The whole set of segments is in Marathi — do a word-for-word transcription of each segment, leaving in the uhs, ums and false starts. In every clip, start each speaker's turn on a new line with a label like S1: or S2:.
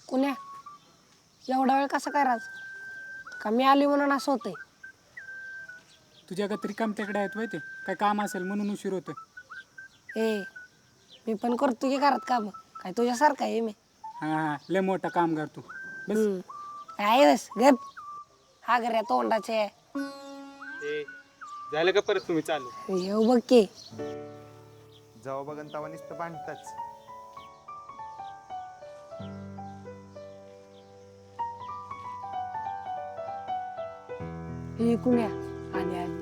S1: कुण्या एवढा वेळ कसा काय राज का मी आली म्हणून असं होतंय?
S2: तुझ्या का तरी कामत्याकडे आहेत माहिती काय काम असेल म्हणून उशीर होतं.
S1: ए मी पण करतो की घरात काम, काय तुझ्यासारखा आहे मी?
S2: हां हां लय मोठा काम करतो बस.
S1: हम्म. काय बस गप हा गऱ्या तोंडाचे
S2: ए झालं का परत तुम्ही चालू?
S1: येऊ बघ की.
S3: जाऊ बघन तवा नुसतं भांडताच.
S1: हे कुण्या आली आली.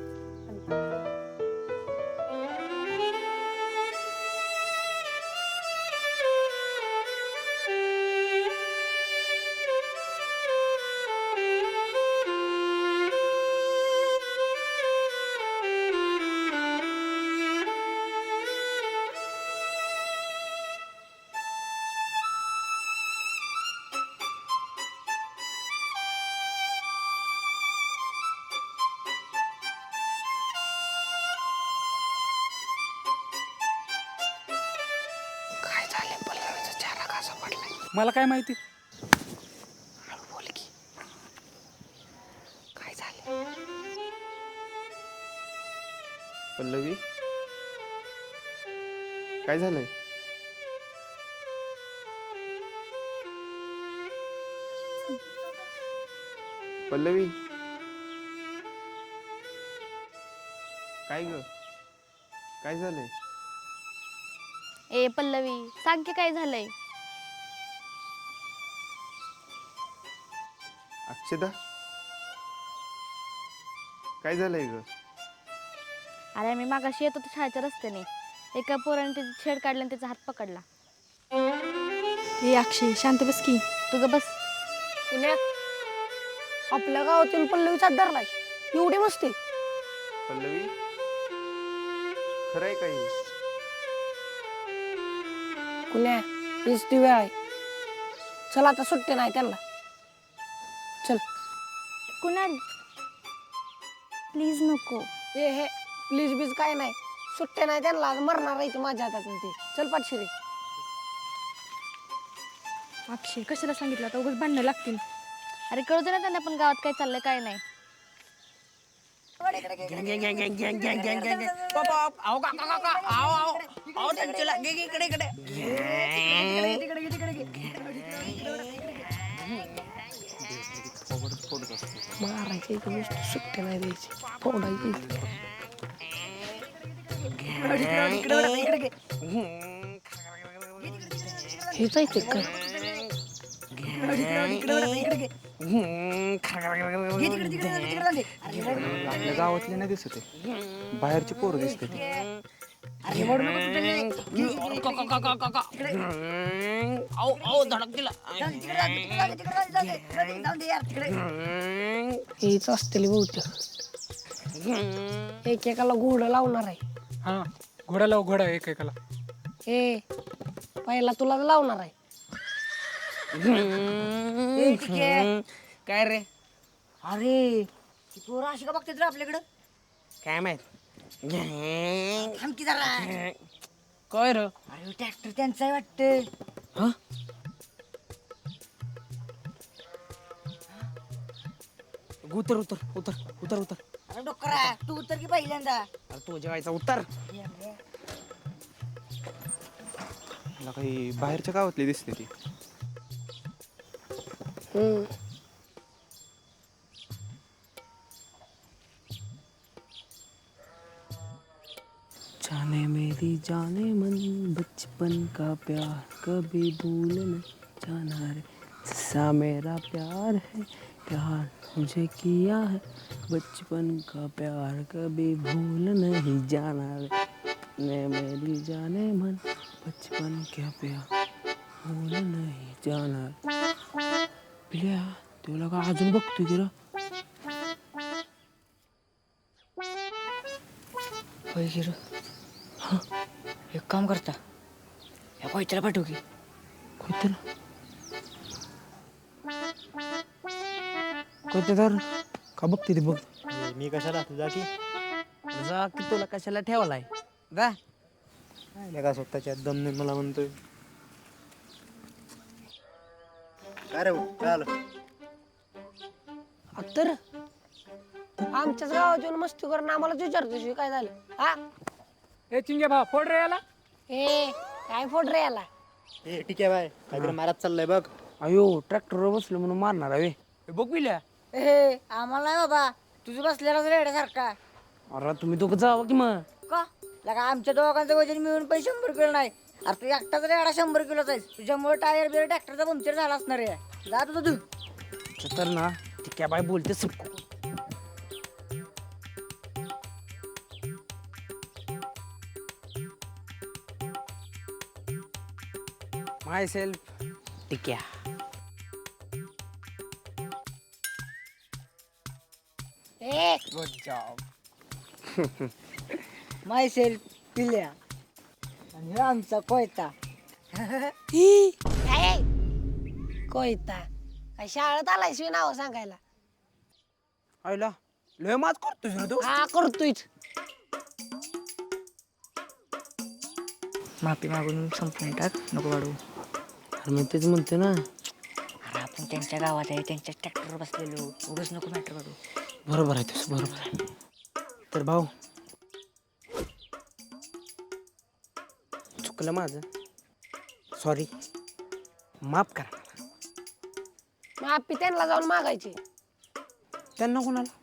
S1: काय झाले पल्लवीचा चेहरा कसा पडलाय?
S2: मला काय माहिती.
S1: हळू बोल की. काय झाले?
S3: पल्लवी काय झालंय? पल्लवी काय ग? काय झालंय?
S4: ए पल्लवी सांग की काय झालंय?
S3: अक्षदा काय झालंय ग?
S4: अरे मी मागाशी येत होतो शाळेच्या रस्त्याने, एका पोराने त्याची छेड काढला आणि त्याचा हात पकडला.
S5: ए अक्षय शांत बस की.
S4: तुझं बस.
S1: कुण्या आपल्या गावातील पल्लवीचा धरलाय एवढी मस्ती?
S3: पल्लवी खरंय काही?
S1: कुण्या हीच ती वेळ आहे. चल आता सुट्टी नाही त्यांना. चल.
S4: कुणाल प्लीज नको.
S1: ए हे प्लीज बीज काय नाही, सुट्टे नाही त्यांना, आज मरणार आहे ते माझ्या हातात ते. चल पाठशिरे.
S5: अक्षय कशाला सांगितलं आता उगाच भांडणं लागतील.
S4: अरे कळू दे ना त्यांना पण गावात काय चाललंय काय नाही.
S1: मारायची इथं नुसतं सुट्टी नाही द्यायची, फोडायची इथं. हेच आहे ते काय?
S3: आपल्या गावातले नाही दिसत आहे, बाहेरची पोरं दिसते ती.
S1: हेच असतील बहुतेक. एकेकाला घोडं लावणार आहे.
S2: हां घोडा लाव घोडा एकेकाला.
S1: ए पहिला तुला लावणार आहे.
S6: काय रे?
S7: अरे ती पोरं अशी का बघतात रे आपल्याकडं?
S6: काय माहित?
S7: थांब की जरा.
S6: काय रे?
S7: अरे ट्रॅक्टर त्यांचा आहे वाटतं.
S6: उतर उतर उतर उतर उतर.
S7: अरे डोकरा तू उतर की पहिल्यांदा.
S6: अरे तू जेवायचा उतर.
S3: मला काही बाहेरच्या गावातली दिसते ती.
S1: हम्म.
S6: जाने मेरी जाने मन बचपन का प्यार कभी भूल न जाना रे, सा मेरा प्यार है प्यार मुझे किया है बचपन का प्यार कभी भूल नहीं जाना रे, ने मेरी जाने मन बचपन का प्यार भूल नहीं जाना रे. पिल्या तुला का अजून बघतोय की रे?
S7: होय की रे. एक काम करता या कोयत्याला पाठवू की.
S6: कोणतं कोणतं तर का बघते ते बघ.
S8: मी कशाला तुझा की
S6: जा की तुला कशाला ठेवलाय जा.
S8: काय का स्वतःच्या दमने मला म्हणतोय.
S3: काय रे काय आलं
S1: तर आमच्याच गावात येऊन मस्ती करून आम्हालाच विचारतोय काय झालं हा
S2: ए चिंगे भाऊ फोड रे याला.
S1: ए काय फोड रे याला
S3: ए ठीक आहे बाय काहीतरी मारात चाललंय बघ.
S6: अयो ट्रॅक्टरवर बसलो म्हणून मारणार आहे बघ पिल्या.
S7: ए आम्हाला नाही बाबा तुझं बसलेला रेड्यासारखा.
S6: अरे तुम्ही दोघं जावं की मग.
S7: का लगा आमच्या दोघांचं वजन मिळून पण शंभर किलो नाही. अरे तू एकटाच रेडा शंभर किलोचा आहेस. तुझ्यामुळे टायर बिर ट्रॅक्टरचा पंक्चर झाला असणार आहे. जा तुझं तू
S6: तर ना ती क्या बाय बोलते सबको. Myself Tikya.
S1: A
S6: good job.
S7: Myself Pilya आणि हे आमचा कोयता.
S1: काय कोयता काय शाळेत आलाय शिवाय नाव सांगायला
S6: आईला लय मात करतोस रे तू.
S1: हा करतोयच
S7: माफी मागून संपून टाक नको वाढू.
S6: अरे मी तेच म्हणते ना.
S7: अरे आपण त्यांच्या गावात आहे त्यांच्या ट्रॅक्टरवर बसलेलो उगाच नको मॅटर वाढू.
S6: बरोबर आहे तुझं बरोबर आहे. तर भाऊ चुकलं माझं. सॉरी माफ करा.
S1: माफी त्यांना जाऊन मागायची
S6: त्यांना कोणाला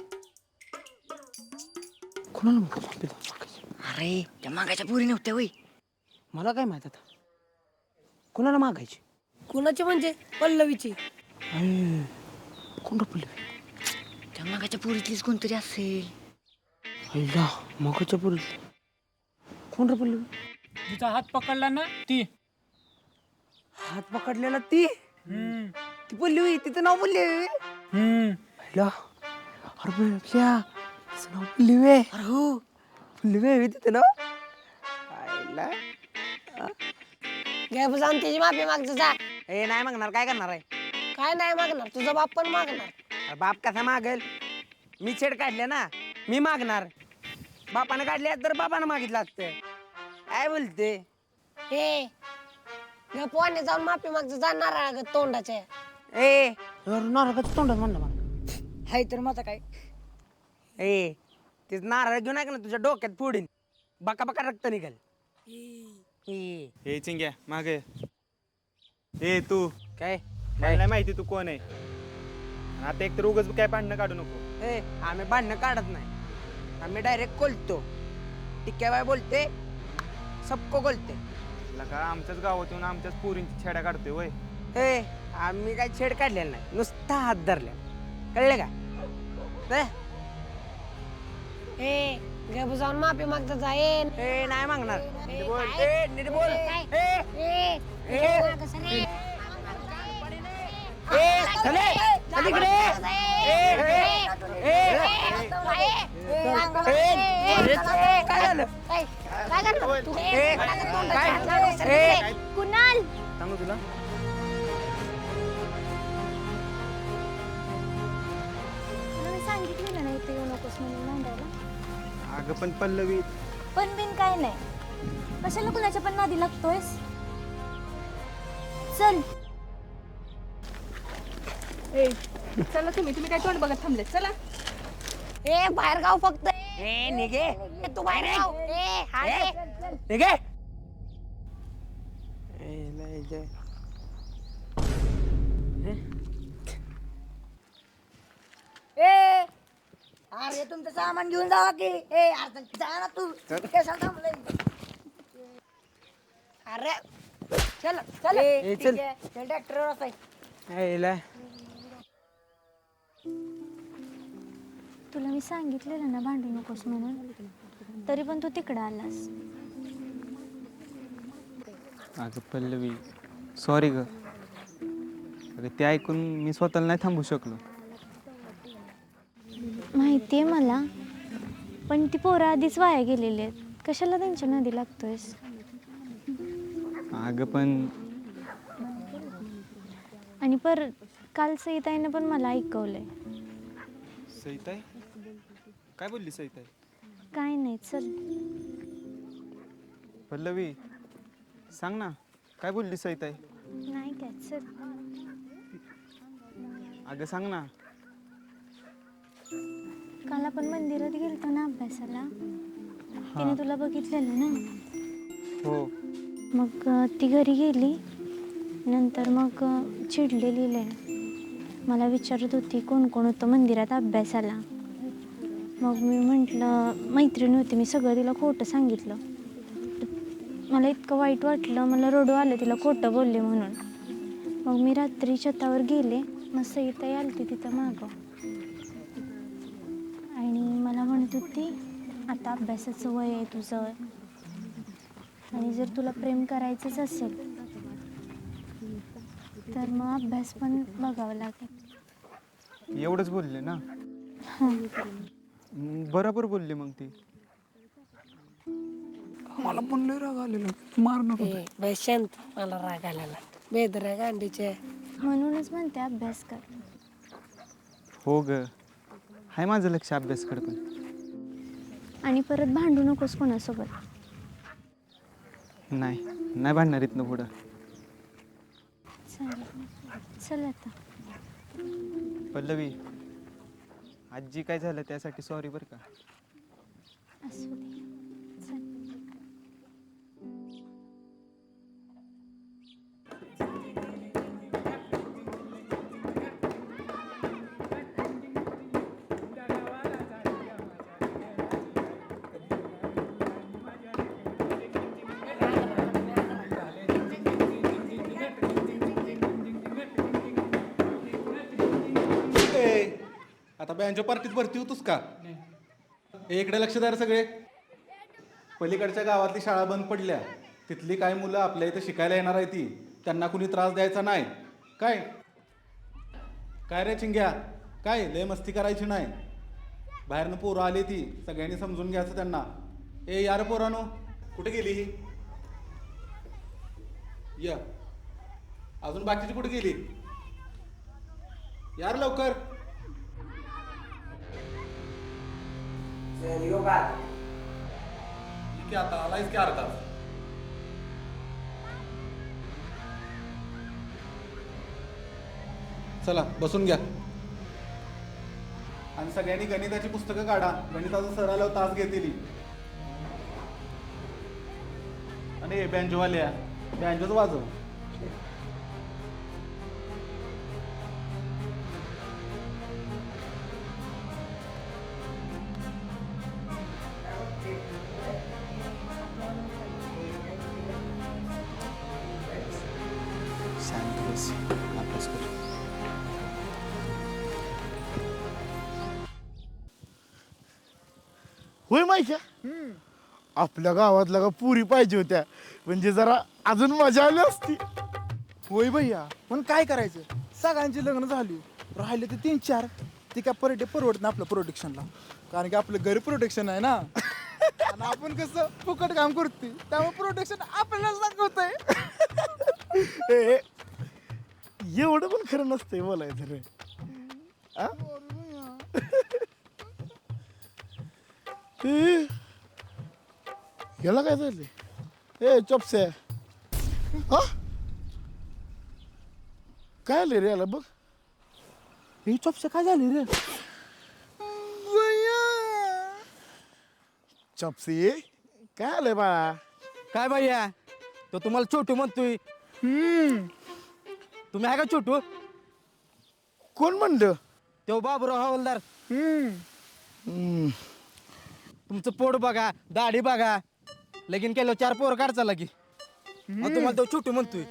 S6: कोणाला माफी जाऊन मागायची?
S7: अरे त्या मागायच्या पुरी नव्हत्या वय.
S6: मला काय माहित आता कोणाला मागायची.
S1: कुणाची म्हणजे पल्लवीची
S6: कोण पडले
S7: त्या मागाच्या पुरीतलीच कोणतरी असेल.
S6: अय्या मगाच्या पुरी कोण रे पडले.
S2: तिचा हात पकडला ना ती.
S6: हात पकडलेला ती
S2: हम्म
S6: ती बोलली होई तिचं नाव बोलली
S2: हम्म
S6: अरे क्या तिचं नाव बोलली वे.
S7: अरे हो
S6: बोलली वे तिचं नाव आईला.
S1: घे जाऊन त्याची माफी मागचं जा.
S6: ए नाही मागणार काय करणार आहे.
S1: काय नाही मागणार तुझा बाप पण मागणार.
S6: अरे बाप कसा मागेल. मी छेड काढले ना मी मागणार. बापाने काढले तर बापानं मागितलं असतं. काय बोलते
S1: हे घे पोहाने जाऊन माफी मागचं जा नारळ तोंडाच्या.
S6: ए नारळाचं तोंडात म्हणलं मला.
S7: हाय तर माझा काय
S6: ए तेच नारळ घेऊन ऐक ना तुझ्या डोक्यात फोडीन. बका बका रक्त निघाल. ए
S3: ए चिंग्या मागे ए तू
S6: काय
S3: मला नाही माहिती तू कोण आहे. आता एक तर उगाच काय भांडणं काढू नको.
S6: ए आम्ही भांडणं काढत नाही. आम्ही डायरेक्ट कोलतो. टिक्या बाय बोलते सबको बोलते.
S3: लका आमच्याच गावात येऊन आमच्याच पोरींची छेड्या काढतोय वय.
S6: ए आम्ही काय छेड काढलेला नाही नुसता हात धरल्या कळले का. ए,
S1: ए घे जाऊन माफी मागचं जा. ए
S6: ए नाही मागणार. नीट बोल.
S1: काय?
S6: ए नीट बोल.
S1: काय?
S6: ए
S1: ए
S6: ए
S1: मागं सर रे.
S6: ए चले चल इकडे. ए ए ए ए काय झालं.
S1: काय काय करणार तू?
S6: ए काय ए
S4: कुणाल
S3: सांगू तुला
S4: मला सांगितलेलं नाही ते येऊ नकोस म्हणून मांडायला.
S3: अगं पण पल्लवी
S4: पण बिन काय नाही. कशाला कुणाच्या पण नादी लागतोयस. चल
S5: ए चला तुम्ही तुम्ही काय तोंड बघत थांबले चला.
S1: ए बाहेर गाव फक्त
S6: ए निघे
S1: ए, तू बाहेर गाव. ए हा रे.
S6: निघे. ए लय जय.
S7: ए अरे तुमचं सामान घेऊन जावा की. ए अरे जा ना तू कशाला थांबलंय.
S1: अरे चल चल
S7: ए,
S6: ए,
S7: ठीक
S6: चल.
S7: आहे. चल ट्रॅक्टरवर असाय.
S6: ए लय
S4: तुला मी सांगितलेलं ना भांडू नकोस म्हणून तरी पण तू तिकडं आलास.
S3: अगं पल्लवी सॉरी ग. अगं ते ऐकून मी स्वतःला नाही थांबू शकलो.
S4: माहिती आहे मला पण ती पोरं आधीच वाया गेलेली आहेत. कशाला त्यांच्या नादी लागतोयस.
S3: अगं पण
S4: आणि पर काल सईताईनं पण मला ऐकवलंय.
S3: सईताई काय बोलली सईताई.
S4: काय नाही चल.
S3: पल्लवी सांग ना काय बोलली सईताई.
S4: नाही काय चल.
S3: अगं सांग ना.
S5: काल आपण मंदिरात गेलतो ना अभ्यासाला, तिने तुला बघितलेलं ना.
S3: हो.
S5: मग अ, ती घरी गेली, नंतर मग अ, चिडलेली लय. मला विचारत होती कोण कोण होतं मंदिरात अभ्यासाला. मग मी म्हटलं मैत्रीण होती, मी सगळं तिला खोटं सांगितलं. मला इतकं वाईट वाटलं, मला रडू आलं तिला खोटं बोलले म्हणून. मग मी रात्री छतावर गेले, मग सईताई आलती तिथं मागं आणि मला म्हणत होती आता अभ्यासाचं वय आहे तुझं, आणि जर तुला प्रेम करायचंच असेल तर मग अभ्यास पण बघावं लागेल.
S3: एवढंच बोलले ना.
S5: हां.
S3: मग बरोबर बोलली मग ती.
S2: मला पण लय राग आलेला, मार नको.
S1: ए बाई शांत, मला राग आलेला. बेदऱ्या गांडीचे.
S5: म्हणूनच म्हणते अभ्यास कर.
S3: हो ग, हाय माझं लक्ष अभ्यासकडे पण.
S5: आणि परत भांडू नकोस कोणासोबत.
S3: नाही नाही भांडणार इथनं पुढं.
S5: चालेल, चल आता.
S3: पल्लवी, आजी काय झालं त्यासाठी सॉरी बरं का.
S5: असू दे, चल.
S8: ए, आता बँजो पार्टीत भरती होतोस का? ए, इकडे लक्ष द्या रे सगळे. पलीकडच्या गावातली शाळा बंद पडल्या, तिथली काही मुलं आपल्या इथं शिकायला येणार आहे ती, त्यांना कुणी त्रास द्यायचा नाही. काय काय रे चिंग्या, काय लय मस्ती करायची नाही. बाहेरनं पोरं आली ती, सगळ्यांनी समजून घ्यायचं त्यांना. ए यार पोरानो, कुठे गेली ही? या अजून बाकीची कुठे गेली? यार लवकर. ठीक आहे, आता आलायच की अर्धा. चला बसून घ्या. आणि सगळ्यांनी गणिताची पुस्तकं काढा, गणिताचा सर आल्यावर तास घेतली. आणि बँजोवाल्या बँजोच वाजव.
S3: शांत बस, अभ्यास कर.
S9: होय माहिती आपल्या गावातल्या का पुरी पाहिजे होत्या, म्हणजे जरा अजून मजा आली असती.
S10: होय भैया, पण काय करायचं, सगळ्यांची लग्न झाली, राहिले ते तीन चार. ते काय पर डे परवडत ना आपलं प्रोटेक्शनला, कारण की आपलं घरी प्रोटेक्शन आहे ना. आणि आपण कसं फुकट काम करते, त्यामुळे प्रोटेक्शन आपल्याला दाखवतंय.
S9: ए, एवढं पण खरं नसतंय बोलायचं रे. आ? ए, याला काय झाले? ए चॉपसे, हा काय आले रे याला बघ.
S10: हे चॉपसे काय झाले रे?
S9: चॉपसे काय आलंय बाळा?
S6: काय भैया, तो तुम्हाला छोटू म्हणतोय. तुम्ही आहे का छोटू?
S9: कोण म्हणलं?
S6: तो बाबूराव हवालदार.
S9: हम्म,
S6: तुमचं पोट बघा, दाढी बघा, लगीन केलं चार पोरं काढचा लगी. तुम्हाला तो छोटू म्हणतोय.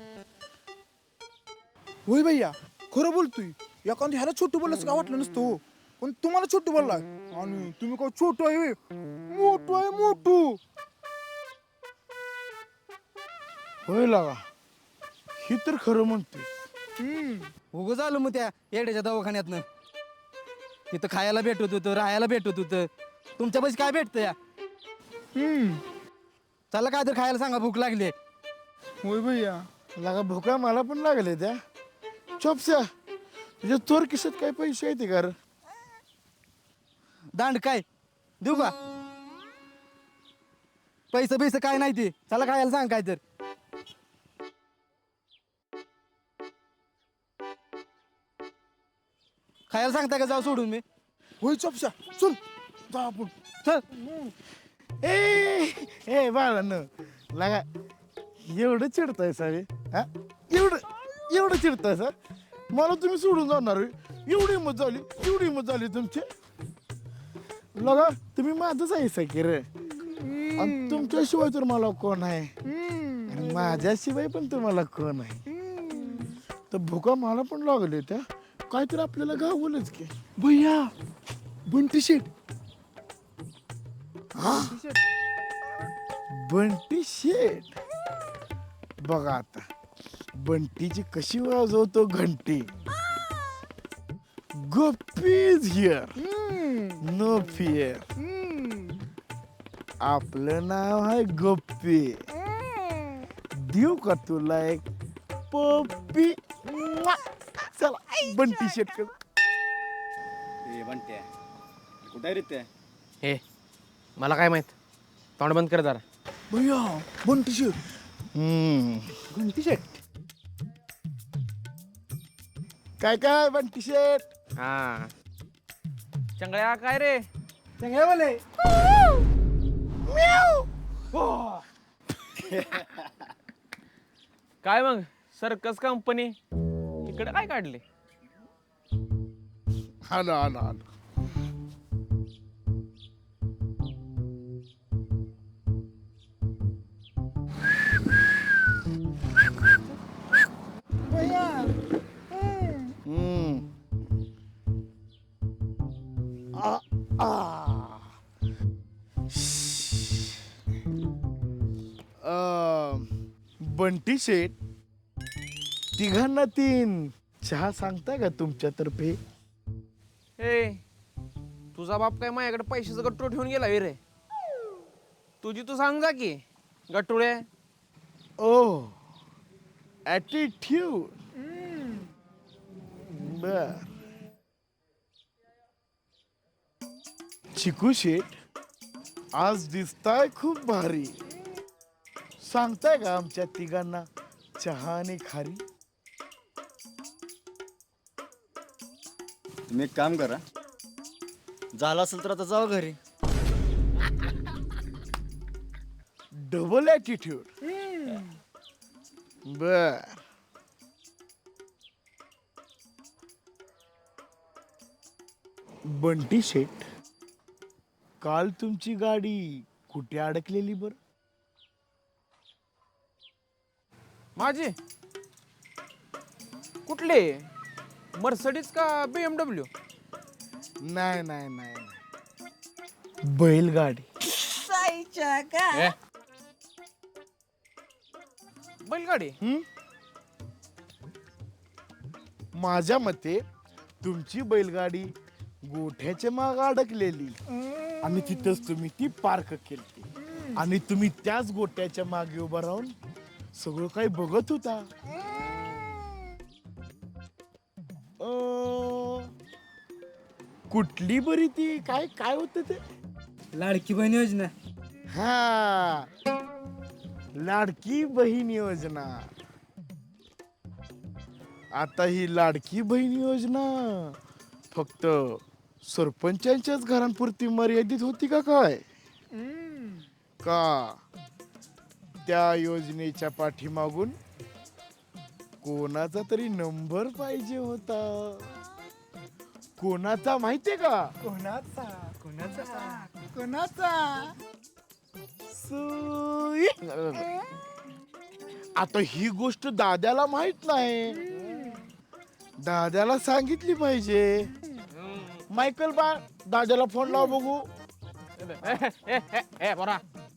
S10: होय भैया, खरं बोलतोय. एखादं ह्याला छोटू बोललं का वाटलं नसतं हो, पण तुम्हाला छोटू बोलला. आणि तुम्ही काय छोटू आहे होय? मोठू आहे मोठू.
S9: होय लागा, ही तर खरं म्हणतोय.
S6: उगं झालं मग त्या येड्याच्या दवाखान्यातनं. तिथं खायला भेटत होतं, राहायला भेटत होतं. तुमच्या पैसे काय भेटतं या? चला काय तर खायला सांगा, भूक लागली.
S10: होय भैया,
S9: लागा भुका मला पण लागले त्या. चॉपस्या, तुझ्या चोर किशात काय पैसे आहेत का रे?
S6: दांड काय देऊ का? पैसे पैसे काय नाही ते. चला खायला सांग काय तर.
S10: खायला सांगता का जाऊ सोडून मी होय चोपशा चल जा आपण चल
S9: ए ए बाळा न लागा एवढं चिडताय सारे हा एवढं एवढं चिडताय सर मला तुम्ही सोडून जाणार होय? एवढी हिंमत झाली एवढी हिंमत झाली तुमची लगा तुम्ही माझंच आहे सकीर आणि तुमच्याशिवाय तर मला कोण आहे आणि माझ्याशिवाय पण तुम्हाला कोण आहे तर भुका मला पण लागले त्या काहीतरी आपल्याला गावलंच की
S10: भैया बंटी शेट
S9: बंटी शेट बघा आता बंटीची कशी वाजवतो घंटी गप्पीज हिअर नो फिअर आपलं नाव आहे गप्पी देऊ का तुला एक पप्पी चला बंटी शेट कर
S3: बंट्या कुठे रे
S6: हे मला काय माहित तोंड बंद कर जरा
S10: भैया बंटी शेट
S9: हम्म
S10: घंटी शेट
S9: काय काय बंटी शेट
S6: हा चंगळ्या काय रे
S10: चांगल्या बोले
S6: काय मग सर्कस कंपनी इकडे काय काढले
S9: आलो आलो आलो हम्म आ आ अं, बंटी शेट तिघांना तीन चहा सांगताय का तुमच्यातर्फे
S6: ए तुझा बाप काय माझ्याकडे पैशाचं गट्टू ठेवून गेला रे तुझी तू सांग जा की गट्टुळे
S9: ओ ॲटिट्यूड बर चिकू शेट आज दिसताय खूप भारी सांगताय का आमच्या तिघांना चहा आणि खारी
S11: तुम्ही एक काम करा झालं असेल तर आता जाऊ घरी
S9: डबल ॲटिट्यूड बर बंटी शेट काल तुमची गाडी कुठे अडकलेली बर
S6: माझी कुठले मर्सडीज का बीएमडब्ल्यू
S9: नाही नाही नाही नाही. बैलगाडी
S6: बैलगाडी
S9: हं? माझ्या मते तुमची बैलगाडी गोठ्याच्या माग अडकलेली आणि तिथंच तुम्ही ती पार्क केली आणि तुम्ही त्याच गोट्याच्या मागे उभा राहून सगळं काही बघत होता अं, कुठली बरी ती काय काय होत ते
S2: लाडकी बहीण योजना
S9: हा लाडकी बहीण योजना आता ही लाडकी बहीण योजना फक्त सरपंचांच्याच घरांपुरती मर्यादित होती का काय का त्या योजनेच्या पाठीमागून कोणाचा तरी नंबर पाहिजे होता कोणाचा माहितीये का
S10: कोणाचा कोणाचा कोणाचा
S9: सुई. आता ही गोष्ट दाद्याला माहित नाही दाद्याला सांगितली पाहिजे मायकल बा दाद्याला फोन लाव बघू
S6: ए, ए, ए, बरा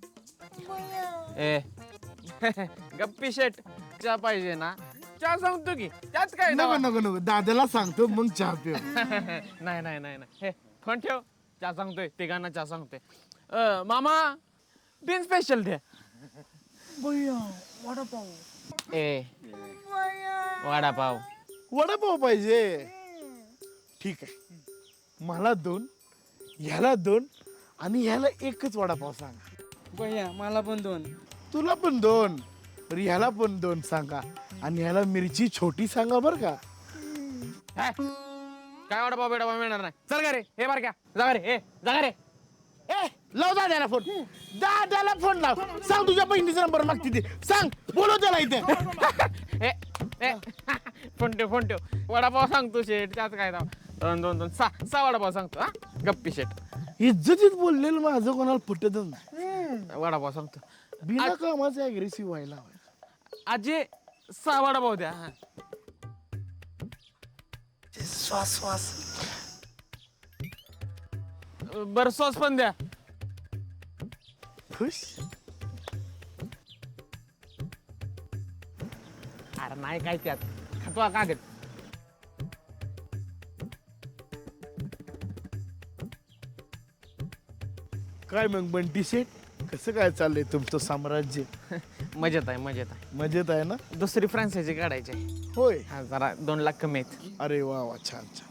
S6: ए गप्पी शेट चहा पाहिजे ना चहा सांगतो की त्यात काय
S9: नको नको नको दाद्याला सांगतो मग चहा पिऊ
S6: नाही नाही नाही नाही हे फोन ठेव चहा सांगतोय तिघांना चहा सांगतोय अ, मामा बिन स्पेशल दे
S10: भैया वडापाव
S6: ए वडापाव
S9: वडापाव पाहिजे ठीक आहे मला दोन ह्याला दोन आणि ह्याला एकच वडापाव सांगा
S2: भैया मला पण दोन
S9: तुला पण दोन तर ह्याला पण दोन सांगा आणि ह्याला मिरची छोटी सांगा बर का
S6: काय वडापाव बिडापाव मिळणार नाही. चल का रे हे बार क्या जा रे हे जा रे.
S9: ए लाव दाद्याला फोन दाद्याला फोन लाव सांग तुझ्या बहिणीचा नंबर मागते ते सांग बोलव त्याला इथे
S6: ए ए फोन ठेव फोन ठेव वडापाव सांगतो शेट त्यात काय दाव दोन दोन दोन सहा सहा वडापाव सांगतो हा गप्पी शेट
S9: इज्जतीत बोललेलं माझं कोणाला पटतच नाही
S6: वडापाव सांगतो.
S9: बिना कामाचं अग्रेसिव्ह व्हायला हवं.
S6: आजी सहा वडापाव द्या हा.
S9: श्वास श्वास
S6: बरं सॉस पण द्या.
S9: खुश
S6: अरे नाही काय त्यात खातो कागद.
S9: काय मग बंटी शेठ कसं काय चाललंय तुमचं साम्राज्य
S6: मजेत आहे मजेत आहे.
S9: मजेत आहे ना
S6: दुसरी फ्रान्सायची काढायची आहे.
S9: होय
S6: हा जरा दोन लाख कमी आहेत.
S9: अरे वा वा छान छान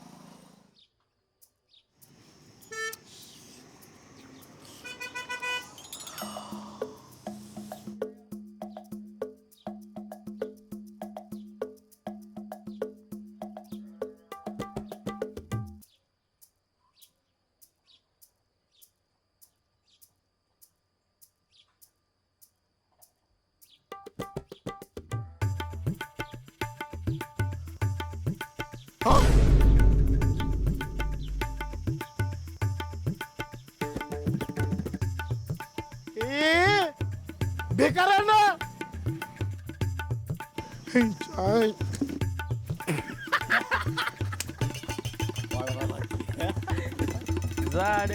S9: ए बेकारांना चाय
S6: झाड